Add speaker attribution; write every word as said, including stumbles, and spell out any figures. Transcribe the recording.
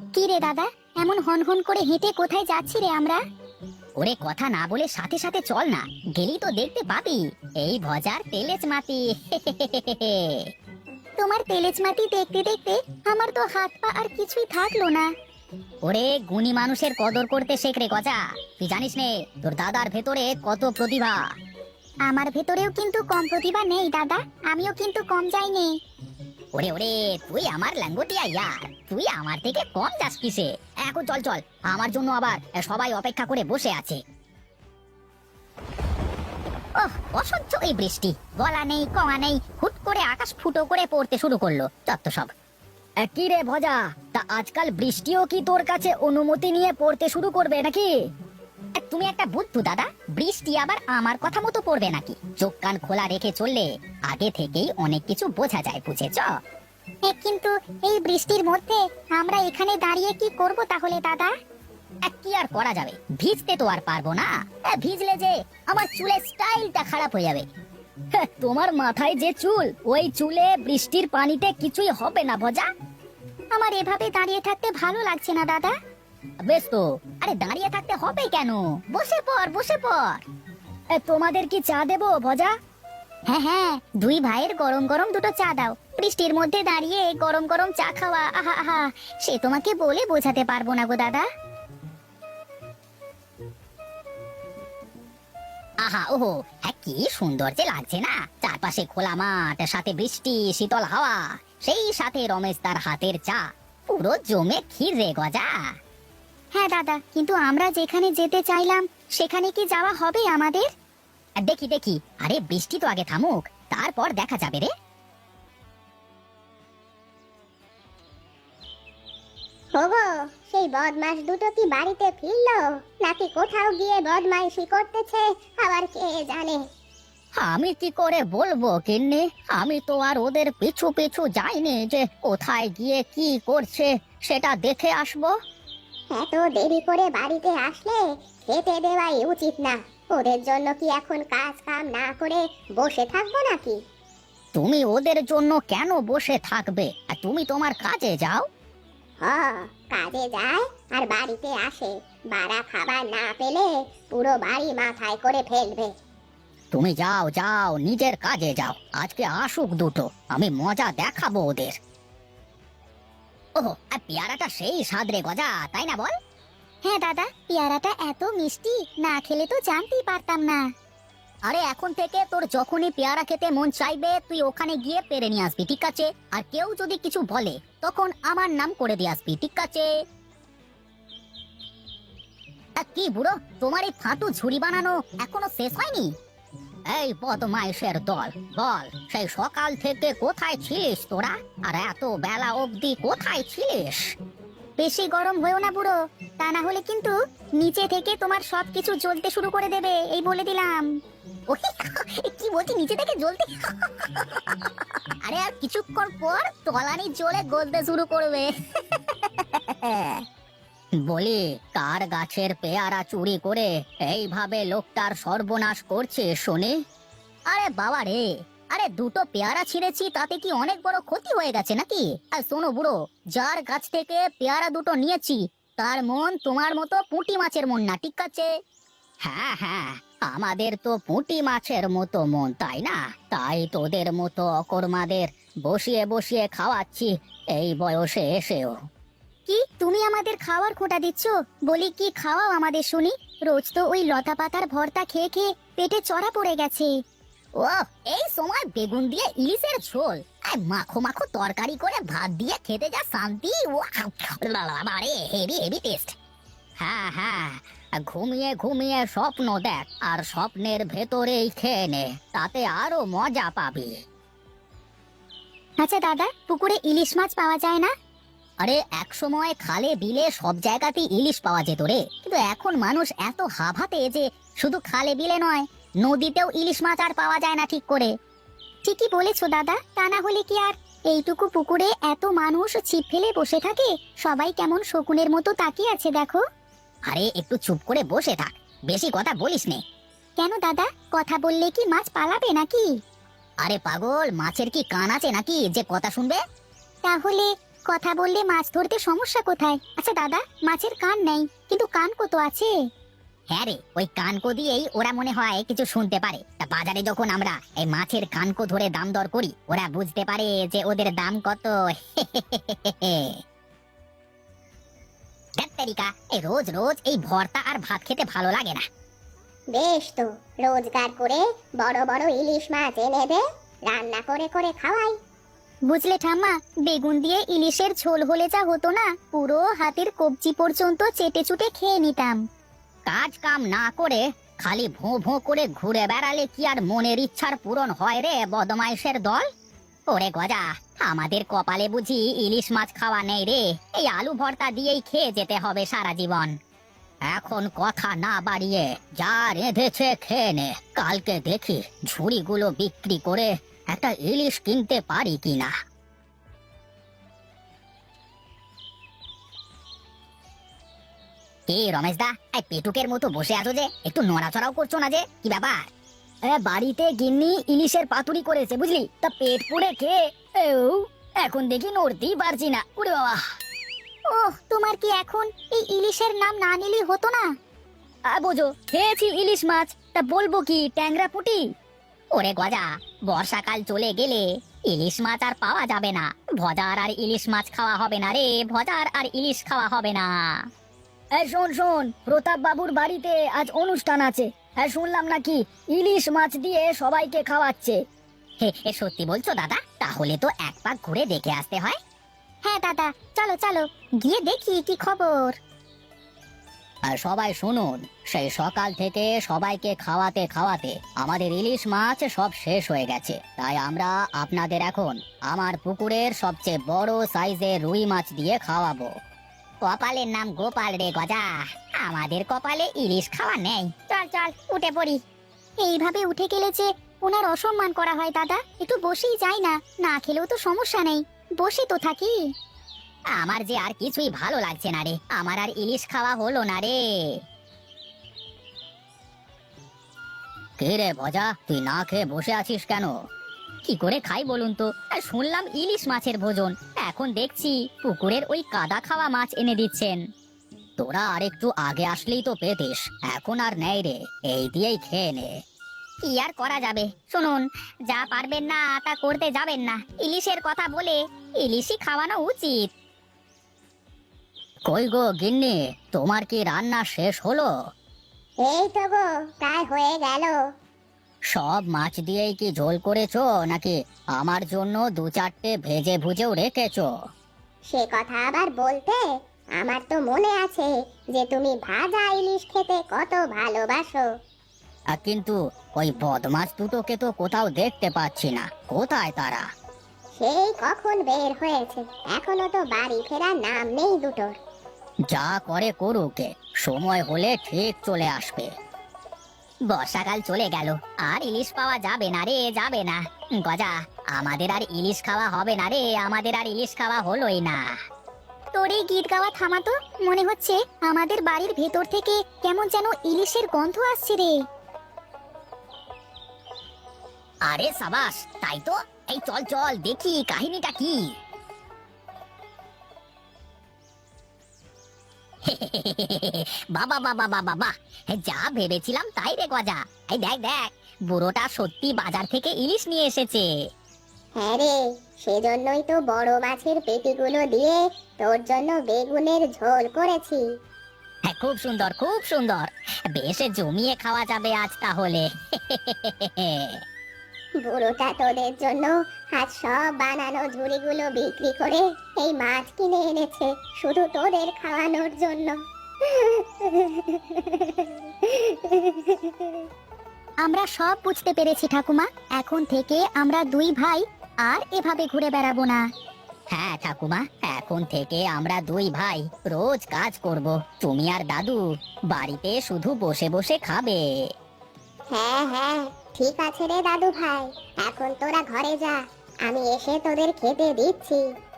Speaker 1: কি রে দাদা, এমন হন হন করে হেঁটে কোথায় যাচ্ছি রে আমরা?
Speaker 2: ওরে কথা না বলে সাথে সাথে চল না, গেলি তো দেখতে পাবি এই ভজার তেলেজ মাটি।
Speaker 1: তোমার তেলেজ মাটি দেখতে দেখতে আমার তো হাত পা আর কিছুই থাকলো না।
Speaker 2: ওরে গুণী মানুষের কদর করতে শেখ রে গজা। তুই জানিস নে তোর দাদার ভেতরে কত প্রতিভা।
Speaker 1: আমার ভেতরেও কিন্তু কম প্রতিভা নেই দাদা, আমিও কিন্তু কম যাইনি।
Speaker 2: ওরে ওরে তুই আমার ল্যাঙ্গটিয়া ইয়ার, তুই আমার থেকে কম যাস কিসে? এখন চল চল, আমার জন্য আবার সবাই অপেক্ষা করে বসে আছে। ওহ, অসহ্য এই বৃষ্টি, গলা নেই কমা নেই, হুট করে আকাশ ফুটো করে পড়তে শুরু করলো। যত সব। কি রে ভজা, তা আজকাল বৃষ্টিও কি তোর কাছে অনুমতি নিয়ে পড়তে শুরু করবে নাকি? তুমি একটা বুদ্ধু দাদা, বৃষ্টি আবার আমার কথা মতো পড়বে নাকি? চোখ কান খোলা রেখে চললে আগে থেকেই অনেক কিছু বোঝা যায়, বুঝেছ?
Speaker 1: কিন্তু এই বৃষ্টির মধ্যে আমরা এখানে দাঁড়িয়ে কি করব তাহলে দাদা?
Speaker 2: কি আর করা যাবে, ভিজতে তো আর পারবো না। ভিজলে যে আমার চুলের স্টাইলটা খারাপ হয়ে যাবে। তোমার মাথায় যে চুল, ওই চুলে বৃষ্টির পানিতে কিছুই হবে না ভজা।
Speaker 1: আমার এভাবে দাঁড়িয়ে থাকতে ভালো লাগছে না দাদা।
Speaker 2: বেশ তো, আরে দাঁড়িয়ে থাকতে হবে কেন, বসে পড় বসে পড়। তোমাদের কি চা দেবো ভজা?
Speaker 1: হ্যাঁ হ্যাঁ, দুই ভাইয়ের গরম গরম দুটো চা দাও। বৃষ্টির মধ্যে দাঁড়িয়ে গরম গরম চা খাওয়া, আহা আহা, সে তোমাকে বলে বোঝাতে পারবো না গো দাদা।
Speaker 2: আহা ওহো, হ্যাঁ কি সুন্দর যে লাগছে না, চারপাশে খোলা মাঠ, সাথে বৃষ্টি, শীতল হাওয়া, সেই সাথে রমেশ তার হাতের চা, পুরো জমে ক্ষীর রে গজা।
Speaker 1: হ্যাঁ দাদা, কিন্তু আমরা যেখানে যেতে চাইলাম সেখানে কি যাওয়া হবে আমাদের?
Speaker 2: দেখি দেখি, আরে বৃষ্টি তো আগে থামুক, তারপর দেখা যাবে রে।
Speaker 3: ওগো, সেই বদমাস দুটো কি বাড়িতে ফিরলো নাকি কোথাও গিয়ে বদমাইশি করতেছে আবার কে জানে।
Speaker 2: আমি কি করে বলবো কিন্নি, আমি তো আর ওদের পিছু পিছু যাইনি যে কোথায় গিয়ে কি করছে সেটা দেখে আসবো।
Speaker 3: এত দেরি করে বাড়িতে আসলে খেতে দেওয়াই উচিত না। ওদের জন্য কি এখন কাজ কাম না করে বসে থাকবো নাকি?
Speaker 2: তুমি ওদের জন্য কেন বসে থাকবে, আর তুমি তোমার কাজে যাও।
Speaker 3: হ, কাজে যায় আর বাড়িতে আসে, বাড়া খাবার না পেলে পুরো বাড়ি মাথায় করে ফেলবে।
Speaker 2: তুমি যাও যাও, নিজের কাজে যাও, আজকে আসুক দুটো, আমি মজা দেখাবো ওদের। ওহো, আর পেয়ারাটা সেই স্বাদ রে গজা, তাই না বল?
Speaker 1: হ্যাঁ দাদা, পেয়ারাটা এত মিষ্টি, না খেলে তো জানতেই পারতাম না।
Speaker 2: আরে এখন থেকে তোর যখনই পেয়ারা খেতে মন চাইবে তুই ওখানে গিয়ে পেরে নিয়ে আসবি, ঠিক আছে? আর কেউ যদি কিছু বলে তখন আমার নাম করে দিয়ে আসবি, ঠিক আছে? কি বুড়ো, তোমার এই ফাঁটু ঝুড়ি বানানো এখনো শেষ হয়নি? এই বদমাইশের দল, বল সেই সকাল থেকে কোথায় ছিলিস তোরা, আর এত বেলা অবধি কোথায় ছিলিস?
Speaker 1: বেশি গরম হয়েও না বুড়ো, তা না হলে কিন্তু নিচে থেকে তোমার সবকিছু জ্বলতে শুরু করে দেবে, এই বলে দিলাম।
Speaker 2: কি বলছি, নিচে থেকে জ্বলতে? আরে আর কিছুক্ষণ পর তলানি জ্বলে গলতে শুরু করবে। বলি, কার গাছের পেয়ারা চুরি করে এইভাবে লোকটার সর্বনাশ করছে শুনি? আরে বাবা রে, আরে দুটো পেয়ারা ছিঁড়েছি, তাতে কি অনেক বড় ক্ষতি হয়ে গেছে নাকি? আর শোনো বুড়ো, যার গাছ থেকে পেয়ারা দুটো নিয়েছি তার মন তোমার মতো পুঁটি মাছের মন না, ঠিক আছে? হ্যাঁ হ্যাঁ, আমাদের তো পুঁটি মাছের মতো মন, তাই না? তাই তোদের মতো অকর্মাদের বসিয়ে বসিয়ে খাওয়াচ্ছি এই বয়সে এসেও।
Speaker 1: কি তুমি আমাদের খাওয়ার খোঁটা দিচ্ছ? বলি কি খাওয়াও আমাদের শুনি, রোজ তো ওই লতা পাতার ভর্তা খেয়ে খেয়ে পেটে চড়া পড়ে গেছে।
Speaker 2: ও, এই সময় বেগুন দিয়ে ইলিশের ঝোল আর মাখো মাখো তরকারি করে ভাত দিয়ে খেতে যা শান্তি, আরে হেভি হেভি টেস্ট। হ্যাঁ হ্যাঁ, ঘুমিয়ে ঘুমিয়ে স্বপ্ন দেখ আর স্বপ্নের ভেতরেই খেয়ে নে, তাতে আরো মজা পাবি।
Speaker 1: আচ্ছা দাদা, পুকুরে ইলিশ মাছ পাওয়া যায় না?
Speaker 2: আরে এক সময় খালে বিলে সব জায়গাতেই ইলিশ পাওয়া যেত রে, কিন্তু এখন মানুষ এত হাভাতে যে শুধু খালে বিলে নয়, নদীতেও ইলিশ মাছ আর পাওয়া যায় না ঠিক করে।
Speaker 1: ঠিকই বলেছো দাদা, তা না হলে কি আর এইটুকু পুকুরে এত মানুষ ছিপ ফেলে বসে থাকে? সবাই কেমন শকুনের মতো তাকিয়ে আছে দেখো।
Speaker 2: আরে একটু চুপ করে বসে থাক, বেশি কথা বলিস নে।
Speaker 1: কেন দাদা, কথা বললে কি মাছ পালাবে নাকি?
Speaker 2: আরে পাগল, মাছের কি কান আছে নাকি যে কথা শুনবে?
Speaker 1: তাহলে কথা বললে মাছ ধরতে সমস্যা কোথায়? আচ্ছা দাদা, মাছের কান নেই কিন্তু কান কত আছে?
Speaker 2: হ্যাঁ রে, ওই কানকো দিয়েই ওরা মনে হয় কিছু শুনতে পারে। তা বাজারে যখন আমরা এই মাছের কানকো ধরে দাম দর করি, ওরা বুঝতে পারে যে ওদের দাম কত। ধ্যাত্তেরিকা, এই রোজ রোজ এই ভর্তা আর ভাত খেতে ভালো লাগে না।
Speaker 3: বেশ তো, রোজগার করে বড় বড় ইলিশ মাছ এনে দে, রান্না করে করে খাওয়াই।
Speaker 1: বুঝলে ঠাম্মা, বেগুন দিয়ে ইলিশের ঝোল হলে যা হতো না, পুরো হাতের কবজি পর্যন্ত চেটে চুটে খেয়ে নিতাম।
Speaker 2: কাজ কাম না করে খালি ভোঁ ভোঁ করে ঘুরে বেড়ালে কি আর মনের ইচ্ছার পূরণ হয় রে বদমাইশের দল? ওরে গজা, আমাদের কপালে বুঝি ইলিশ মাছ খাওয়া নেই রে। এই আলু ভর্তা দিয়েই খেয়ে যেতে হবে সারা জীবন। এখন কথা না বাড়িয়ে যা রেঁধেছে খেয়ে নে। কালকে দেখি ঝুড়িগুলো বিক্রি করে একটা ইলিশ কিনতে পারি কিনা। এই রমেশ দা, এই পেটুকের মতো বসে আছো যে, একটু নড়াচড়াও করছো না যে, কি ব্যাপার? বাড়িতে গিন্নি ইলিশের পাতুরি করেছে বুঝলি, তা পেট পুড়ে খেয়ে এও এখন দেখি নড়তেই পারছি না। উরে বাবা!
Speaker 1: ওহ, তোমার কি এখন এই ইলিশের নাম না নিলেই হতো না?
Speaker 2: আ বোঝো, খেয়েছি ইলিশ মাছ, তা বলবো কি ট্যাংরা পুঁটি? ওরে গজা, বর্ষাকাল চলে গেলে ইলিশ মাছ আর পাওয়া যাবে না। ভজার আর ইলিশ মাছ খাওয়া হবে না রে, ভজার আর ইলিশ খাওয়া হবে না। এই শোন শোন, প্রতাপ বাবুর বাড়িতে আজ অনুষ্ঠান আছে। হ্যাঁ, শুনলাম নাকি ইলিশ মাছ দিয়ে সবাইকে খাওয়াচ্ছে। হে, এ সত্যি বলছো দাদা? তাহলে তো এক পাক ঘুরে দেখে আসতে হয়।
Speaker 1: হ্যাঁ দাদা, চলো চলো গিয়ে দেখি কি খবর।
Speaker 2: আর সবাই শুনুন, সেই সকাল থেকে সবাইকে খাওয়াতে খাওয়াতে আমাদের ইলিশ মাছ সব শেষ হয়ে গেছে। তাই আমরা আপনাদের এখন আমার পুকুরের সবচেয়ে বড় সাইজের রুই মাছ দিয়ে খাওয়াবো। কপালের নাম গোপাল রে গজা, আমাদের কপালে ইলিশ খাওয়া নেই।
Speaker 1: চল চল উঠে পড়ি। এইভাবে উঠে গেলে যে ওনার অসম্মান করা হয় দাদা, একটু বসেই যাই না, না খেলেও তো সমস্যা নেই, বসে তো থাকি।
Speaker 2: আমার যে আর কিছুই ভালো লাগছে না রে, আমার আর ইলিশ খাওয়া হলো না রে। কে রে ভজা, তুই না খেয়ে বসে আছিস কেন? কি করে খাই বলুন তো? আর শুনলাম ইলিশ মাছের ভোজন, এখন দেখছি পুকুরের ওই কাদা খাওয়া মাছ এনে দিচ্ছেন। তোরা আর একটু আগে আসলেই তো পেতিস, এখন আর নেই রে, এই দিয়েই খেয়ে নে। কি আর করা যাবে? শুনুন, যা পারবেন না তা করতে যাবেন না। ইলিশের কথা বলে ইলিশই খাওয়ানো উচিত। কই গো গিন্নি, তোমার কি রান্না শেষ হলো?
Speaker 3: এই তো গো, প্রায় হয়ে গেল।
Speaker 2: সব মাছ দিয়েই কি ঝোল করেছো, নাকি আমার জন্য দু চারটে ভেজে ভুজেও রেখেছো?
Speaker 3: সে কথা আবার বলতে, আমার তো মনে আছে যে তুমি ভাজা ইলিশ খেতে কত ভালোবাসো।
Speaker 2: আ, কিন্তু ওই বদমাছ দুটোকে তো কোথাও দেখতে পাচ্ছি না, কোথায় তারা?
Speaker 3: সেই কখন বের হয়েছে, এখনো তো বাড়ি ফেরার নাম নেই দুটোর।
Speaker 2: যা করে করুকে, সময় হলে ঠিক চলে আসবে। বর্ষাকাল চলে গেল, আর ইলিশ পাওয়া যাবে না রে, যাবে না। গজা, আমাদের আর ইলিশ খাওয়া হবে না রে, আমাদের আর ইলিশ খাওয়া হলোই না।
Speaker 1: তোর এই গীত গাওয়া থামাতো, মনে হচ্ছে আমাদের বাড়ির ভেতর থেকে কেমন যেন ইলিশের গন্ধ আসছে রে।
Speaker 2: আরে সাবাস, তাই তো। এই চল চল দেখি কাহিনীটা কি। বাবা বাবা বাবা বাবা, যা ভেবেছিলাম তাই রে গজা। এই দেখ দেখ, বুড়োটা সত্যি বাজার থেকে ইলিশ নিয়ে এসেছে।
Speaker 3: হ্যাঁ রে, সেজন্যই তো বড় মাছের পেটিগুলো দিয়ে তোর জন্য বেগুনের ঝোল করেছি।
Speaker 2: হ্যাঁ, খুব সুন্দর খুব সুন্দর, বেশ জমিয়ে খাওয়া যাবে আজ তাহলে।
Speaker 3: বুড়োটা তোদের জন্য আজ সব বানানো ঝুড়িগুলো বিক্রি করে এই মাছ কিনে এনেছে, শুধু তোদের খাওয়ানোর জন্য।
Speaker 1: আমরা সব বুঝতে পেরেছি ঠাকুমা, এখন থেকে আমরা দুই ভাই আর এভাবে ঘুরে বেড়াবো না।
Speaker 2: হ্যাঁ ঠাকুমা, এখন থেকে আমরা দুই ভাই রোজ কাজ করব, তুমি আর দাদু বাড়িতে শুধু বসে বসে খাবে।
Speaker 3: হ্যাঁ হ্যাঁ, ঠিক আছে রে দাদু ভাই, এখন তোরা ঘরে যা, আমি এসে তোদের খেতে দিচ্ছি।